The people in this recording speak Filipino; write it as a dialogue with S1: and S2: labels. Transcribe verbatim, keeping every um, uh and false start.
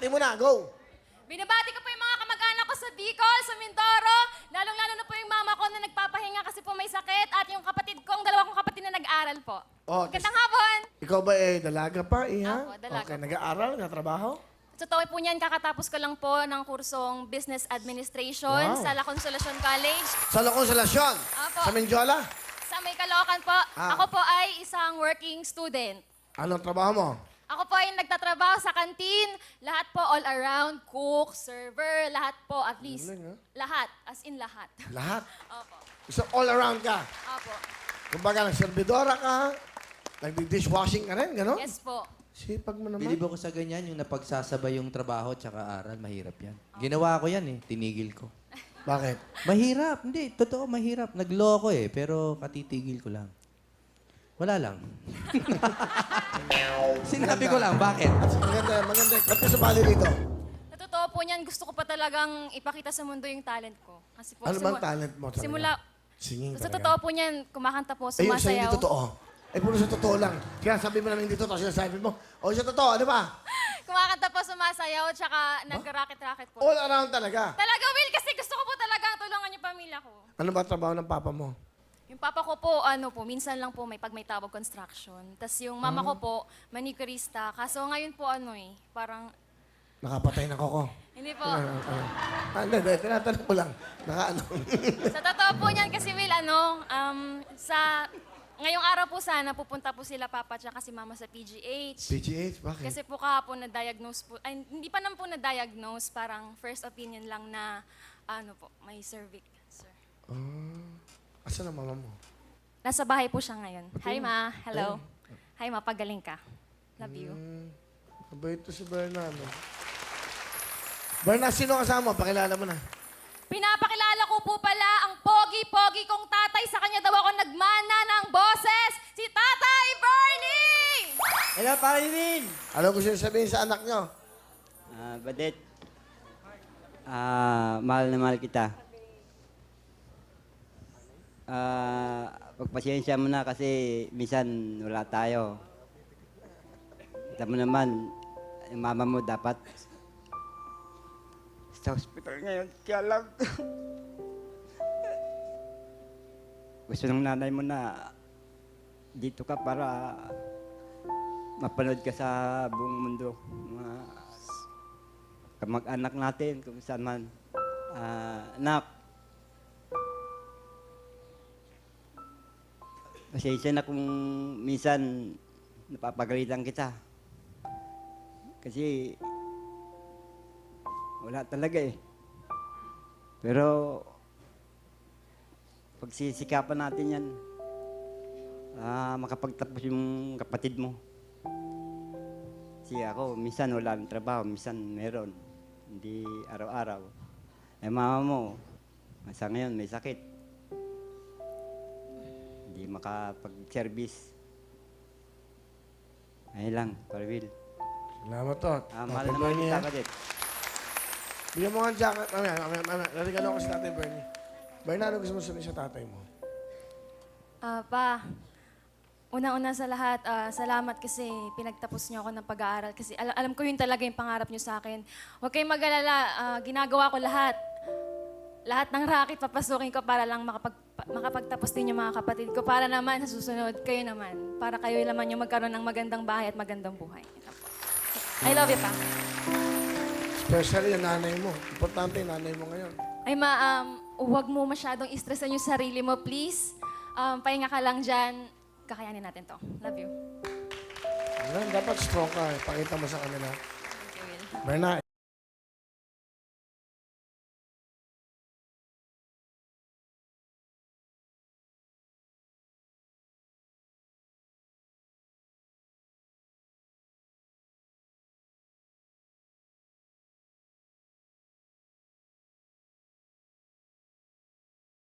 S1: Di mo na, go!
S2: Binabati ko po yung mga kamag-anak ko sa Bicol, sa Mindoro. Lalong-lalo na po yung mama ko na nagpapahinga kasi po may sakit. At yung kapatid ko, ang dalawa kong kapatid na nag-aaral po.
S1: Oh,
S2: Magandang hapon!
S1: Ikaw ba eh, dalaga pa, iha?
S2: Ako, dalaga
S1: Okay,
S2: po.
S1: nag-aaral, nagtatrabaho?
S2: Sa totoo po niyan, kakatapos ko lang po ng kursong Business Administration
S1: Wow.
S2: sa La Consolacion College.
S1: Sa La Consolacion?
S2: Apo.
S1: Sa Menjola?
S2: Sa May Caloocan po.
S1: Ah.
S2: Ako po ay isang working student.
S1: Anong trabaho mo?
S2: Ako po ay nagtatrabaho sa kantin. Lahat po all around, cook, server, lahat po at least.
S1: Galing, ha?
S2: Lahat, as in lahat.
S1: Lahat.
S2: Opo.
S1: So, all around ka.
S2: Opo.
S1: Kumbaga, nagservidora ka, nagdi-dishwashing ka rin, gano'n?
S2: Yes po.
S1: Sipag mo naman.
S3: Bilib ako sa ganyan, yung napagsasabay yung trabaho at aral, mahirap yan. Ginawa ko yan eh, tinigil ko.
S1: Bakit?
S3: Mahirap, hindi, totoo mahirap. Nag-law ko eh, pero katitigil ko lang. Wala lang. Sinabi ko lang, bakit?
S1: Maganda, maganda. Ba't ka sumali dito?
S2: Sa totoo po niyan, gusto ko pa talagang ipakita sa mundo yung talent ko. Kasi po,
S1: Ano bang
S2: simu-
S1: talent mo talaga?
S2: Simula,
S1: Singing
S2: sa
S1: talaga.
S2: totoo po niyan, kumakanta po,
S1: Ayun, sa'yo
S2: sumasayaw.
S1: hindi totoo. Ay, puro sa totoo lang. Kaya sabi mo namin hindi totoo, sinasabi mo, o sa totoo, ano ba?
S2: Kumakanta po, sumasayaw, tsaka nag-racket-racket po.
S1: All around talaga.
S2: Talaga, Will, kasi gusto ko po talagang tulungan yung pamilya ko.
S1: Ano ba trabaho ng papa mo?
S2: Yung papa ko po, ano po, minsan lang po may pag may tawag construction. Tapos yung mama ko po, manicurista. Kaso ngayon po, ano eh, parang,
S1: Nakapatay ng koko.
S2: hindi po.
S1: Ah, ah. Ah, hindi, hindi. Tinatanong ko lang. Naka ano.
S2: Sa totoo po niyan kasi, Will, ano, um, sa, ngayong araw po sana, pupunta po sila papa tsaka si mama sa P G H.
S1: P G H, bakit?
S2: Kasi po kahapon na-diagnose po, ay, hindi pa naman po na-diagnose, parang first opinion lang na, ano po, may cervix, sir.
S1: Ah, asan ang mama mo?
S2: Nasa bahay po siya ngayon. Hi, ma. Hello. Hi, ma. Pagaling ka. Love you.
S1: Hmm, mabait to si Berna, no? Berna, sino kasama mo? Pakilala mo na.
S2: Pinapakilala ko po pala ang pogi-pogi kong tatay. Sa kanya daw ako nagmana ng boses. Si Tatay Bernie!
S4: Hello, Parilin!
S1: Ano gusto niyo sabihin sa anak niyo?
S4: Ah, Badet. Ah, mahal na mahal kita. Ah, pagpasensya mo na kasi minsan wala tayo. Kita mo naman, yung mama mo dapat sa hospital ngayon. Kaya lang, gusto ng nanay mo na dito ka para mapanood ka sa buong mundo. Mga kamag-anak natin, kung saan man. Ah, anak, pasensya na kung minsan napapagalitan kita. Kasi wala talaga eh. Pero pagsisikapan natin yan, ah, makapagtapos yung kapatid mo. Kasi ako, minsan wala ng trabaho, minsan meron. Hindi araw-araw. Eh mama mo, sa ngayon may sakit. Hindi makapag-service. Ayun lang, Parvil.
S1: Salamat to.
S4: Ah, mahal
S1: Tatay
S4: naman
S1: Bernie,
S4: kita,
S1: ha?
S4: Badet.
S1: Bigyan mo nga ang jacket. Mamaya, mamaya, mamaya. Narigalo ko si Tatay Bernie. Berna, ano gusto mo sabihin sa tatay mo?
S2: Ah, pa, una-una sa lahat, ah, salamat kasi pinagtapos niyo ako ng pag-aaral. Kasi al- alam ko yun talaga yung pangarap niyo sa akin. Huwag kayong mag-alala, ah, ginagawa ko lahat. Lahat ng racket papasukin ko para lang makapag, pa- makapagtapos din yung mga kapatid ko. Para naman sa susunod, kayo naman. Para kayo naman yung magkaroon ng magandang bahay at magandang buhay. Ito po. I love you, pa.
S1: Especially yung nanay mo. Importante yung nanay mo ngayon.
S2: Ay, ma, um, huwag mo masyadong istresan yung sarili mo, please. Um, pahinga ka lang dyan. Kakayanin natin to. Love you.
S1: Ayan, dapat strong ka. eh. Pakita mo sa kanila.
S2: Thank you, Will.
S1: Berna,